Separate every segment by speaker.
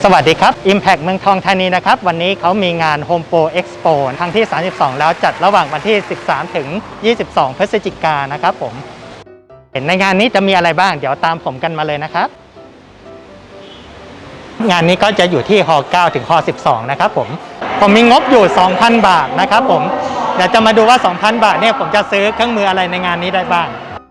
Speaker 1: สวัสดีครับ Impact เมืองทองธานีนะครับวันนี้เขามีงาน Home Pro Expo ครั้งที่ 32 แล้วจัดระหว่างวันที่ 13 ถึง 22 พฤศจิกายนนะครับผมเห็นในงานนี้จะมีอะไรบ้างเดี๋ยวตามผมกันมาเลยนะครับงานนี้ก็จะอยู่ที่ฮ9 ถึงฮ12 นะครับผมมีงบอยู่ 2,000 บาทนะครับผมเดี๋ยวจะมาดูว่า 2,000 บาทเนี่ยผมจะซื้อเครื่องมืออะไรในงานนี้ได้บ้าง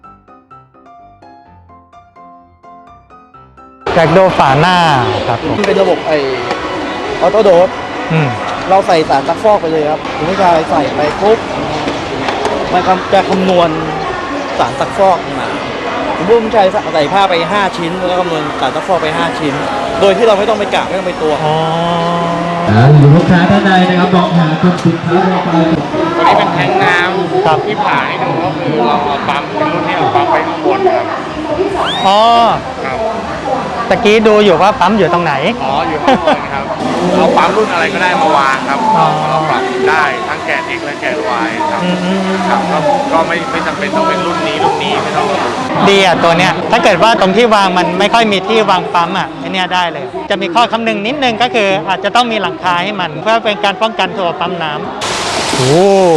Speaker 1: อยากดูฝาหน้าครับผม
Speaker 2: เป็นระบบออโต้โดสเราใส่สารซักฟอกไปเลยครับคุณผู้ชายใส่ไปปุ๊บมันจะคำนวณสารซักฟอกมาคุณผู้ชายใส่ผ้าไป5ชิ้นแล้วคำนวณสารซักฟอกไป5ชิ้นโดยที่เราไม่ต้องไปกะไม่ต้องไปตวง
Speaker 3: หรือลูกค้าท่านใดนะครับลองหาคนสินค้าเราไป
Speaker 4: ตัวนี้เป็นแทงน้ำที่ผ่าให้ดูก็คือเราเอาปั๊มเป็นรุ่นที่เอาปั๊มไปข้างบนครับ
Speaker 1: อ๋อ
Speaker 4: ครับ
Speaker 1: ตะกี้ดูอยู่ว่าปั๊มอยู่ตรงไหน
Speaker 4: อยู่ข้างบนครับเอาปั๊มรุ่นอะไรก็ได้มาวางครับเราปรับได้ทั้งแกน X และแกน Y ครับก็ไม่จำเป็นต้องเป็นรุ่นนี้ไม่ต้อง
Speaker 1: ดีอ่ะตัวเนี้ยถ้าเกิดว่าตรงที่วางมันไม่ค่อยมีที่วางปั๊มอ่ะไอเนี้ยได้เลยจะมีข้อคำนึงนิดนึงก็คืออาจจะต้องมีหลังคาให้มันเพื่อเป็นการป้องกันตัวปั๊มน้ำโอ้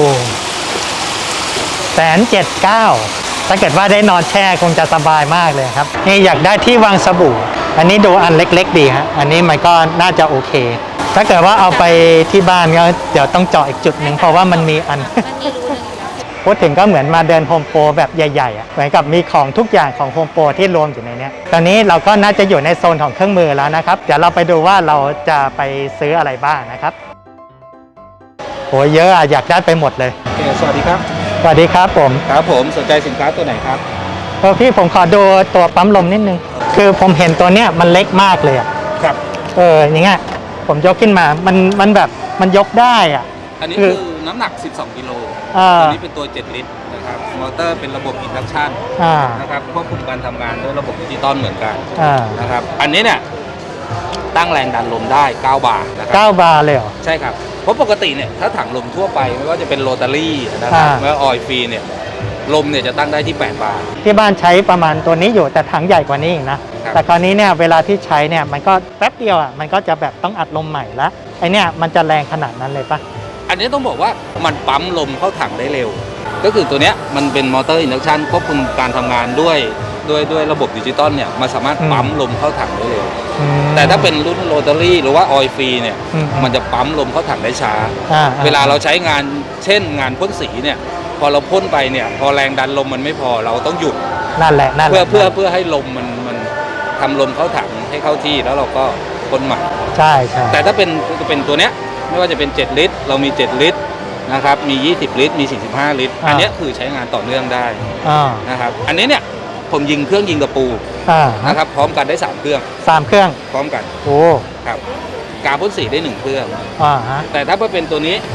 Speaker 1: 179,000ถ้าเกิดว่าได้นอนแช่คงจะสบายมากเลยครับนี่อยากได้ที่วางสบู่อันนี้ดูอันเล็กๆดีฮะอันนี้มันก็น่าจะโอเคถ้าเกิดว่าเอาไปที่บ้านก็เดี๋ยวต้องเจาะอีกจุดหนึ่งเพราะว่ามันมีอันพูดถึงก็เหมือนมาเดินโฮมโปรแบบใหญ่ๆเหมือนกับมีของทุกอย่างของโฮมโปรที่รวมอยู่ในนี้ตอนนี้เราก็น่าจะอยู่ในโซนของเครื่องมือแล้วนะครับเดี๋ยวเราไปดูว่าเราจะไปซื้ออะไรบ้างนะครับโหเยอะอะอยากได้ไปหมดเลย
Speaker 2: สวัสดีครับ
Speaker 1: สวัสดีครับผม
Speaker 2: สนใจสินค้าตัวไหนครับ
Speaker 1: พี่ผมขอดูตัวปั๊มลมนิดนึงคือผมเห็นตัวเนี้ยมันเล็กมากเลยอ่ะ
Speaker 2: ครับ
Speaker 1: อย่างเงี้ยผมยกขึ้นมามันแบบมันยกได้อ่ะ
Speaker 2: อันนี้คือน้ำหนัก12กิโลตัวนี้เป็นตัว7ลิตรนะครับมอเตอร์เป็นระบบอินดักชันนะครับควบคุมการทำงานด้วยระบบดิจิตอลเหมือนกันนะครับอันนี้เนี่ยตั้งแรงดันลมได้9 บาร์นะครับ
Speaker 1: 9 บาร์เลยเหรอ
Speaker 2: ใช่ครับเพราะปกติเนี่ยถ้าถังลมทั่วไปไม่ว่าจะเป็นโรตารี่นะครับไม่ว่าออยล์ฟรีเนี่ยลมเนี่ยจะตั้งได้ที่8 บาร์
Speaker 1: ที่บ้านใช้ประมาณตัวนี้อยู่แต่ถังใหญ่กว่านี้อีกนะแต่คราวนี้เนี่ยเวลาที่ใช้เนี่ยมันก็แป๊บเดียวอ่ะมันก็จะแบบต้องอัดลมใหม่ละไอเนี่ยมันจะแรงขนาดนั้นเลยปะ
Speaker 2: อันนี้ต้องบอกว่ามันปั๊มลมเข้าถังได้เร็วก็คือตัวเนี้ยมันเป็นมอเตอร์อินดักชันควบคุมการทำงานด้วยระบบดิจิตอลเนี่ยมันสามารถปั๊มลมเข้าถังได้เร็วแต่ถ้าเป็นรุ่นโรตารี่หรือว่าออยล์ฟรีเนี่ยมันจะปั๊มลมเข้าถังได้ช้าเวลาเราใช้งานเช่นงานพ่นสีเนี่ยพอเราพ่นไปเนี่ยพอแรงดันลมมันไม่พอเราต้องหยุด
Speaker 1: นั่นแหละ
Speaker 2: เพื่อให้ลมมันทำลมเข้าถังให้เข้าที่แล้วเราก็พ่นใหม่
Speaker 1: ใช่
Speaker 2: แต่ถ้าเป็นตัวเนี้ยไม่ว่าจะเป็น7ลิตรเรามี7ลิตรนะครับมี20ลิตรมี45ลิตรอันนี้คือใช้งานต่อเนื่องได้นะครับอันนี้เนี่ยผมยิงเครื่องยิงตะปูนะครับพร้อมกันได้3 เครื่องพร้อมกัน
Speaker 1: โอ้
Speaker 2: ครับกาพ่นสีได้1 เครื่องแต่ถ้าเป็นตัวนี้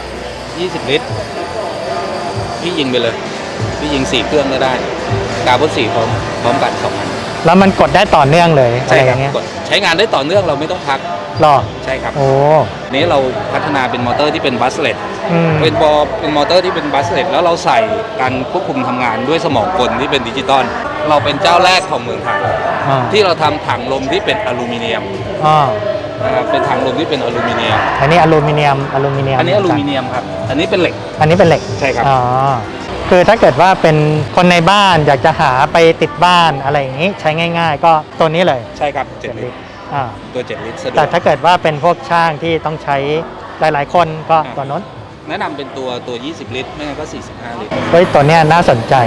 Speaker 2: 20ลิตรพี่ยิงไปเลยพี่ยิง4 เครื่องก็ได้กาพ่นสีพร้อมกัน2 อัน
Speaker 1: แล้วมันกดได้ต่อเนื่องเลย
Speaker 2: ใช่ครับใช้งานได้ต่อเนื่องเราไม่ต้องพัก
Speaker 1: หรอ
Speaker 2: ใช่ครับ
Speaker 1: โอ้
Speaker 2: นี้เราพัฒนาเป็นมอเตอร์ที่เป็นบัสเลตเป็นมอเตอร์ที่เป็นบัสเลตแล้วเราใส่การควบคุมทำงานด้วยสมองกลที่เป็นดิจิตอลเราเป็นเจ้าแรกของเมืองไทยที่เราทำถังลมที่เป็นอลูมิเนียมนะครับเป็นถังลมที่เป็นอลูมิเนียม
Speaker 1: อันนี้อลูมิเนียม
Speaker 2: อันนี้อลูมิเนียมครับอันนี้เป็นเหล็กใช่ครับ
Speaker 1: คือถ้าเกิดว่าเป็นคนในบ้านอยากจะหาไปติดบ้านอะไรอย่างนี้ใช้ง่ายๆก็ตัวนี้เลย
Speaker 2: ใช่ครับ7 ลิตรตัว7 ลิตร
Speaker 1: แต่ถ้าเกิดว่าเป็นพวกช่างที่ต้องใช้หลายๆคนก็ตัวน้น
Speaker 2: แนะนำเป็นตัว20 ลิตรไม่งั้นก็45 ลิตร
Speaker 1: ตัวเนี้ยน่าสนใจ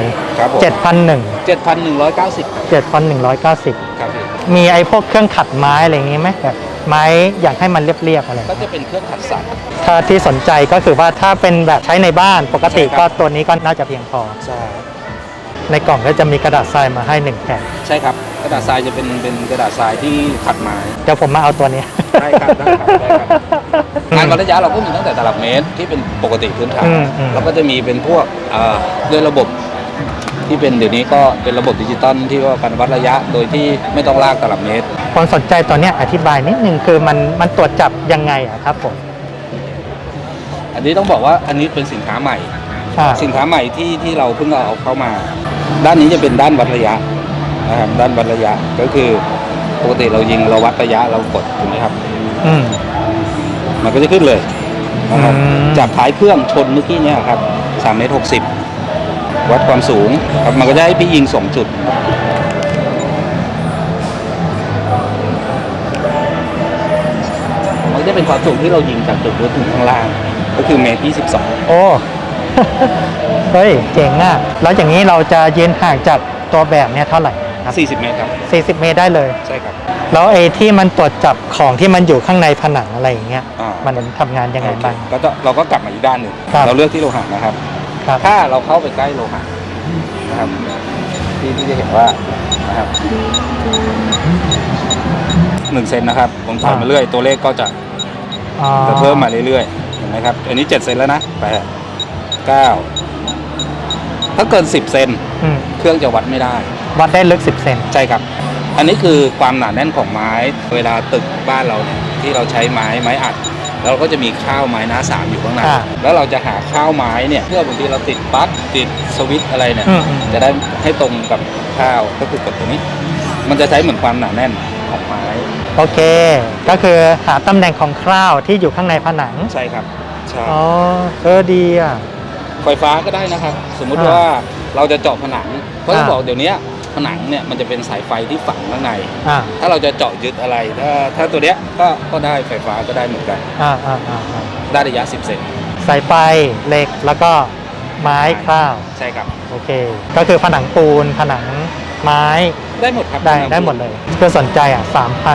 Speaker 2: 7,190
Speaker 1: ครับมีไอ้พวกเครื่องขัดไม้อะไรอย่างงี้ไหมแบบไม้อยากให้มันเรียบๆอะไร
Speaker 2: ก็จะเป็นเครื่องขัดสัตว์
Speaker 1: ถ้าที่สนใจก็คือว่าถ้าเป็นแบบใช้ในบ้านปกติก็ตัวนี้ก็น่าจะเพียงพอ
Speaker 2: ใช่
Speaker 1: ในกล่องก็จะมีกระดาษทรายมาให้1 แผ่น
Speaker 2: ใช่ครับกระดาษทรายจะเป็นกระดาษทรายที่ขัดไม้
Speaker 1: เดี๋ยวผมมาเอาตัวนี้
Speaker 2: ได้ครับงานวัดระยะเราก็มีตั้งแต่ตลับเมตรที่เป็นปกติพื้นฐานแล้วก็จะมีเป็นพวกด้วยระบบที่เป็นเดี๋ยวนี้ก็เป็นระบบดิจิตอลที่ว่าการวัดระยะโดยที่ไม่ต้องลากตลับเมตร
Speaker 1: คนสนใจตัวนี้อธิบายนิดนึงคือมันตรวจจับยังไงครับผม
Speaker 2: อันนี้ต้องบอกว่าอันนี้เป็นสินค้าใหม่ที่เราเพิ่งเอาเข้ามาด้านนี้จะเป็นด้านวัดระยะนะครับด้านวัดระยะก็คือกติเรายิงเราวัดระยะเรากดถูกไหมครับ
Speaker 1: อืม
Speaker 2: มันก็จะขึ้นเลยนะครับ
Speaker 1: อืม
Speaker 2: จากท้ายเครื่องชนเมื่อกี้เนี่ยครับ3 เมตร 60 วัดความสูงครับมันก็จะให้พี่ยิง2 จุดมันจะเป็นความสูงที่เรายิงจากจุดนู้นถึงข้างล่าง ก็คือ1 เมตร 22
Speaker 1: โอ้ เฮ้ยเจ๋งอ่ะแล้วอย่างนี้เราจะยืนห่างจากตัวแบบเนี่ยเท่าไหร่ครับ
Speaker 2: 40 เมตรครับ
Speaker 1: 40 เมตรได้เลย
Speaker 2: ใช่ครับ
Speaker 1: แล้วไอ้ที่มันตรวจจับของที่มันอยู่ข้างในผนังอะไรอย่างเงี้ย
Speaker 2: อ่า
Speaker 1: มันทำงานยังไงบ้าง
Speaker 2: ก็จะเราก็กลับมาอีกด้านหนึ่ง
Speaker 1: ครับ
Speaker 2: เราเลือกที่โลหะนะครับ
Speaker 1: ครับ
Speaker 2: ถ้าเราเข้าไปใกล้โลหะนะครับที่จะเห็นว่านะครับ1 เซนนะครับผมถอยมาเรื่อยตัวเลขก็จะ
Speaker 1: อ๋อ
Speaker 2: เพิ่มมาเรื่อยๆเห็นไหมครับอันนี้7 เซนแล้วนะ8 9ถ้าเกิน10 เซน
Speaker 1: อืม
Speaker 2: เครื่องจะวัดไม่ได้
Speaker 1: วัดได้ลึก 10 เซน
Speaker 2: ใช่ครับ อันนี้คือความหนาแน่นของไม้เวลาตึกบ้านเราเนี่ยที่เราใช้ไม้อัดแล้วเราก็จะมีข้าวไม้หน้า3อยู่ข้างใน
Speaker 1: อ่า
Speaker 2: แล้วเราจะหาข้าวไม้เนี่ยเพื่อบางทีเราติดปลั๊กติดสวิตช์อะไรเนี่ย
Speaker 1: อืม
Speaker 2: จะได้ให้ตรงกับข้าวก็คือกดตัวนี้ มันจะใช้เหมือนความหนาแน่นของไม้
Speaker 1: โอเค ก็คือหาตำแหน่งของคร่าวที่อยู่ข้างในผนัง
Speaker 2: ใช่ครับใช่
Speaker 1: อ๋อดีอ่ะ
Speaker 2: ไฟฟ้าก็ได้นะครับ สมมุติ
Speaker 1: อ่า
Speaker 2: ว่าเราจะเจาะผนังเพราะต้อง
Speaker 1: อ่า
Speaker 2: บอกเดี๋ยวนี้ผนังเนี่ยมันจะเป็นสายไฟที่ฝังข้างใน
Speaker 1: อ่า
Speaker 2: ถ้าเราจะเจาะยึดอะไรถ้าตัวเนี้ยก็ได้ไฟฟ้าก็ได้เหมือนกัน
Speaker 1: อ่า
Speaker 2: ได้ระยะ 10 เซน
Speaker 1: สายไฟเหล็กแล้วก็ไม้คร่าว ใช่
Speaker 2: ครับ
Speaker 1: โอเค ก็คือผนังปูนผนังไม้
Speaker 2: ได้หมดครับ
Speaker 1: ได้หมดเลยคือสนใจอ่ะ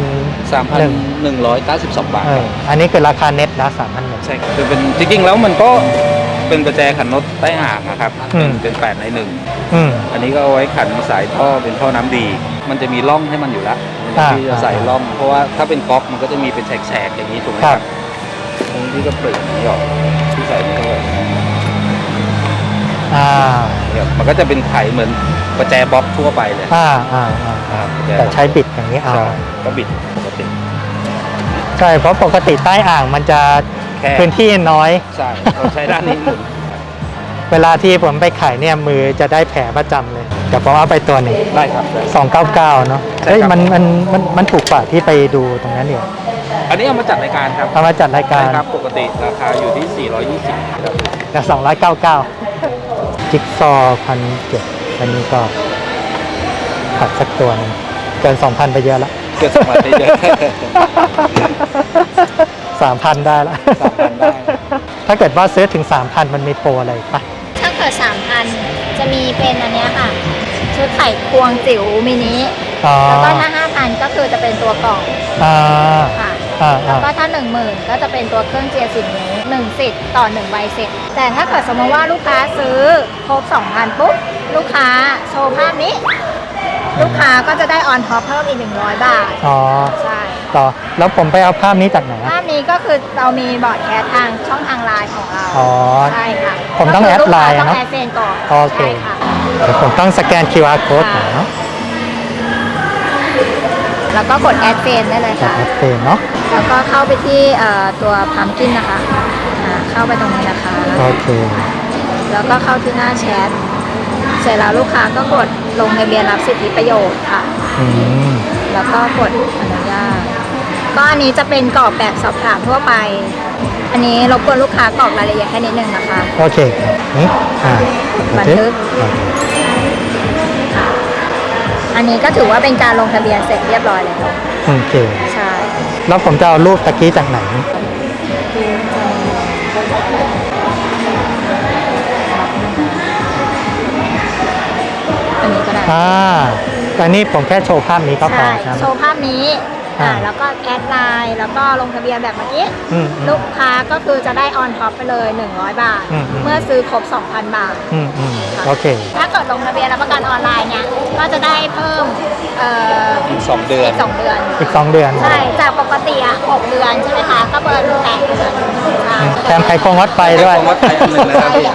Speaker 2: 3,192 บาท
Speaker 1: อันนี้คือราคาเน็ตนะ3,100
Speaker 2: ใช่ครับคือเป็นจริงๆแล้วมันก็เป็นประแจขันน็อตใต้อ่างนะครับ
Speaker 1: อืม
Speaker 2: เป็น8 ใน
Speaker 1: อืม
Speaker 2: 1 อันนี้ก็เอาไว้ขันสายท่อเป็นท่อน้ำดี มันจะมีร่องให้มันอยู่แล้ว
Speaker 1: อ่า
Speaker 2: ที่จะใส่ร่อง เพราะว่าถ้าเป็นก๊อกมันก็จะมีเป็นแฉกๆอย่างนี้ถูกไหม
Speaker 1: ค
Speaker 2: ค
Speaker 1: รั
Speaker 2: รับ บตรงนี้ก็เปลือกนี้ออกที่ใส่นี่เข้าไป
Speaker 1: อ่า
Speaker 2: เนี่ยมันก็จะเป็นไขเหมือนประแจบ๊อบทั่วไปเลย
Speaker 1: อ่า
Speaker 2: ประแจ
Speaker 1: แต่ใช้บิดอย่างนี้เอา
Speaker 2: ใช่ก็บิดปกติ
Speaker 1: ใช่เพราะปกติใต้อ่างมันจะ
Speaker 2: แค่
Speaker 1: พื้นที่น้อย
Speaker 2: ใช่เราใช้ด้านนี้หมุน
Speaker 1: เวลาที่ผมไปขายเนี่ยมือจะได้แผลประจำเลยเดี๋ยวผมเอาไปตัวหนึ่ง
Speaker 2: ได้ครับได้
Speaker 1: 299เนาะ
Speaker 2: ใช่ครับ
Speaker 1: เฮ้ยมันถูกกว่าที่ไปดูตรงนั้นเนี่ย
Speaker 2: อันนี้เอามาจัดรายการครับ
Speaker 1: เอามาจัดรายการ
Speaker 2: ใช่ครับปกติราคาอยู่ที่ 420ครับ
Speaker 1: แต่299จิ๊กซอว์1,700อันนี้ก็ขัดสักตัวหนึงเกิน 2,000 ไปเยอะละ
Speaker 2: เกิดสมัยได้เยอะ
Speaker 1: 3,000 ได้ละ
Speaker 2: 3,000 ได้
Speaker 1: ถ้าเกิดว่าซื้อถึง 3,000 มันมีโปรอะไรอีกปะ
Speaker 5: ถ้าเกิด 3,000 จะมีเป็นอันเนี้ยค่ะ ชุดไข่ควงจิ๋วมินิ
Speaker 1: อ๋อ
Speaker 5: แล้วก็ถ้า 5,000 ก็คือจะเป็นตัวกล่อง
Speaker 1: อ่า
Speaker 5: ค่ะ
Speaker 1: อ่า
Speaker 5: แล้วก็ถ้า 10,000 ก็จะเป็นตัวเครื่องเจียร์10 นิ้ว1สิทธิ์ต่อ1ใบเสร็จ แต่ถ้าเกิดสมมติว่าลูกค้าซื้อครบ 2,000 ปุ๊บ ลูกค้าโชว์ภาพนี้ ลูกค้าก็จะได้ออนท็อปเพิ่มอีก100 บาท
Speaker 1: อ๋อ
Speaker 5: ใช่
Speaker 1: ต่อแล้วผมไปเอาภาพนี้จากไหนอะ
Speaker 5: ภาพนี้ก็คือเรามีบอร์ดแคสทางช่องทางไลน์ของเรา
Speaker 1: อ๋อ
Speaker 5: ใช่ค่ะ
Speaker 1: ผมต้องแอดไลน์อะ
Speaker 5: ต้
Speaker 1: เน
Speaker 5: อ
Speaker 1: อะ
Speaker 5: งแอดเฟรนก่อน
Speaker 1: โอเค
Speaker 5: ใช่ค่ะ
Speaker 1: เดี๋ยวผมต้องสแกน QR code หน่อยเนาะ
Speaker 5: แล้วก็กดแอดเฟรนได้เลย
Speaker 1: จาก
Speaker 5: ค่ะ
Speaker 1: แอดเฟนเนาะ
Speaker 5: แล้วก็เข้าไปที่ตัวพัมกินนะคะเข้าไปตรงนี้นะคะ
Speaker 1: โอเค
Speaker 5: แล้วก็เข้าที่หน้าแชท เสร็จแล้วลูกค้าก็กดลงทะเบียนรับสิทธิประโยชน์ค่ะ
Speaker 1: อืม
Speaker 5: แล้วก็กดอนุญาต ก็อันนี้จะเป็นกรอบแบบสอบถามทั่วไป อันนี้รบกวนลูกค้ากรอกรายละเอียดแค่นิดนึงนะคะ
Speaker 1: โอเคครับนี่
Speaker 5: บันทึก
Speaker 1: โอเค
Speaker 5: ค่ะ อันนี้ก็ถือว่าเป็นการลงทะเบียนเสร็จเรียบร้อยแล้ว
Speaker 1: โอเค
Speaker 5: ใช่
Speaker 1: แล้วผมจะเอารูปตะกี้จากไหน
Speaker 5: อันนี้ก็ได้
Speaker 1: อันนี้ผมแค่โชว์ภาพนี้ก็พอ
Speaker 5: ใช่
Speaker 1: ใช่ไหม
Speaker 5: โชว์ภาพนี้ แล้วก็แอดไลน์แล้วก็ลงทะเบียนแบบเมื่อกี้
Speaker 1: อืม
Speaker 5: ลูกค้าก็คือจะได้ออนท็อปไปเลย 100 บาท
Speaker 1: อืม
Speaker 5: เมื่อซื้อครบ 2,000 บาท
Speaker 1: โอเค
Speaker 5: ถ้าเกิดลงทะเบียนรับประกันออนไลน์เนี่ย ก็จะได้เพิ่ม
Speaker 2: อีก2 เดือน
Speaker 5: อีก2 เดือน
Speaker 1: อีก 2 เดือน
Speaker 5: ใช่ จากปกติ6 เดือนใช่ไหมคะ ก็เบิร์น8 เดือนใช่
Speaker 1: แถมไข่ควงวัดไฟด้วย
Speaker 2: ของวัดไทยอันหนึ่งนะครับพี่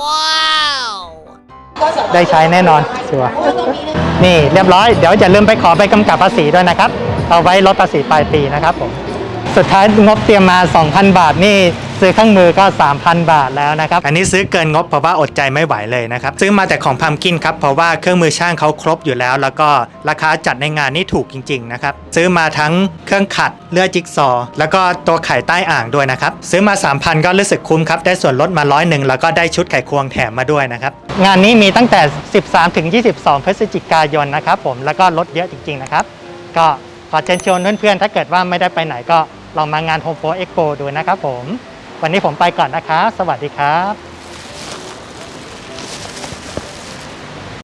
Speaker 1: ได้ใช้แน่นอนชัวร์นี่เรียบร้อยเดี๋ยวอย่าลืมไปขอใบกำกับภาษีด้วยนะครับ เอาไว้ลดภาษีปลายปีนะครับผม สุดท้ายงบเตรียมมา 2,000 บาทนี่ซื้อเครื่องมือก็ 3,000 บาทแล้วนะครับอันนี้ซื้อเกินงบเพราะว่าอดใจไม่ไหวเลยนะครับซื้อมาแต่ของพัมกินครับเพราะว่าเครื่องมือช่างเขาครบอยู่แล้วแล้วก็ราคาจัดในงานนี่ถูกจริงๆนะครับซื้อมาทั้งเครื่องขัดเลื่อยจิ๊กซอว์แล้วก็ตัวไขใต้อ่างด้วยนะครับซื้อมา 3,000 ก็รู้สึกคุ้มครับได้ส่วนลดมา100แล้วก็ได้ชุดไขควงแถมมาด้วยนะครับงานนี้มีตั้งแต่ 13 ถึง 22 พฤศจิกายนนะครับผมแล้วก็ลดเยอะจริงๆนะครับก็ขอเชิญชวนเพื่อนๆถ้าเกิดว่าไม่ได้ไปไหนก็ลองมางาน Home Pro Expo ดูนะครับผมวันนี้ผมไปก่อนนะครับสวัสดีครับ